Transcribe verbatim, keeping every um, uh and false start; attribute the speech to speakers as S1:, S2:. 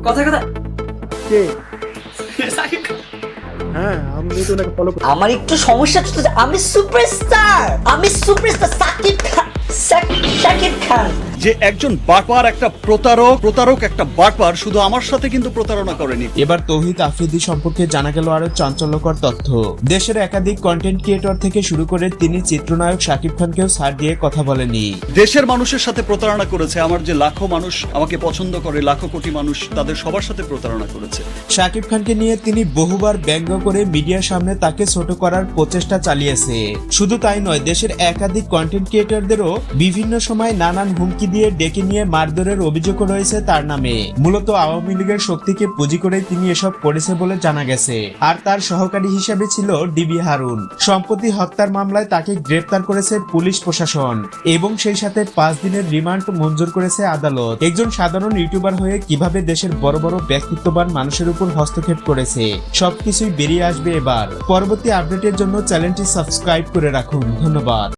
S1: কথা কথা
S2: কে?
S1: সাকিব খান।
S2: হ্যাঁ আমি তো ওনাকে ফলো করি।
S3: আমার একটু সমস্যা চলতেছে, আমি সুপারস্টার, আমি সুপারস্টার সাকিব খান, সাক- সাকিব খান।
S4: যে একজন বাটপার, একটা প্রতারক প্রতারক একটা বাটপার শুধু আমার সাথে কিন্তু প্রতারণা করেনি।
S5: এবার তৌহিদ আফ্রিদি সম্পর্কে জানা গেল আরো চাঞ্চল্যকর তথ্য। দেশের একাধিক কন্টেন্ট ক্রিয়েটর থেকে শুরু করে তিনি চিত্রনায়ক শাকিব খানকেও ছাড় দিয়ে কথা বলেনি।
S4: দেশের মানুষের সাথে প্রতারণা করেছে। আমার যে লাখো মানুষ আমাকে পছন্দ করে, লাখো কোটি মানুষ, তাদের সবার সাথে প্রতারণা করেছে।
S5: শাকিব খানকে নিয়ে তিনি বহুবার ব্যঙ্গ করে মিডিয়ার সামনে তাকে ছোট করার প্রচেষ্টা চালিয়েছে। শুধু তাই নয়, দেশের একাধিক কন্টেন্ট ক্রিয়েটরদেরও বিভিন্ন সময় নানান হুমকি দিয়ে ডেকে নিয়ে মারধরের অভিযোগও রয়েছে তার নামে। মূলত আওয়ামী লীগের শক্তিকে পুঁজি করে তিনি এসব করেছে বলে জানা গেছে। আর তার সহকারী হিসেবে ছিল ডিবি হারুন। সম্প্রতি হত্যার মামলায় তাকে গ্রেফতার করেছে পুলিশ প্রশাসন এবং সেই সাথে পাঁচ দিনের রিমান্ড মঞ্জুর করেছে আদালত। একজন সাধারণ ইউটিউবার হয়ে কিভাবে দেশের বড় বড় ব্যক্তিত্ববান মানুষের উপর হস্তক্ষেপ করেছে সবকিছুই বেরিয়ে আসবে এবার। পরবর্তী আপডেটের জন্য চ্যানেলটি সাবস্ক্রাইব করে রাখুন। ধন্যবাদ।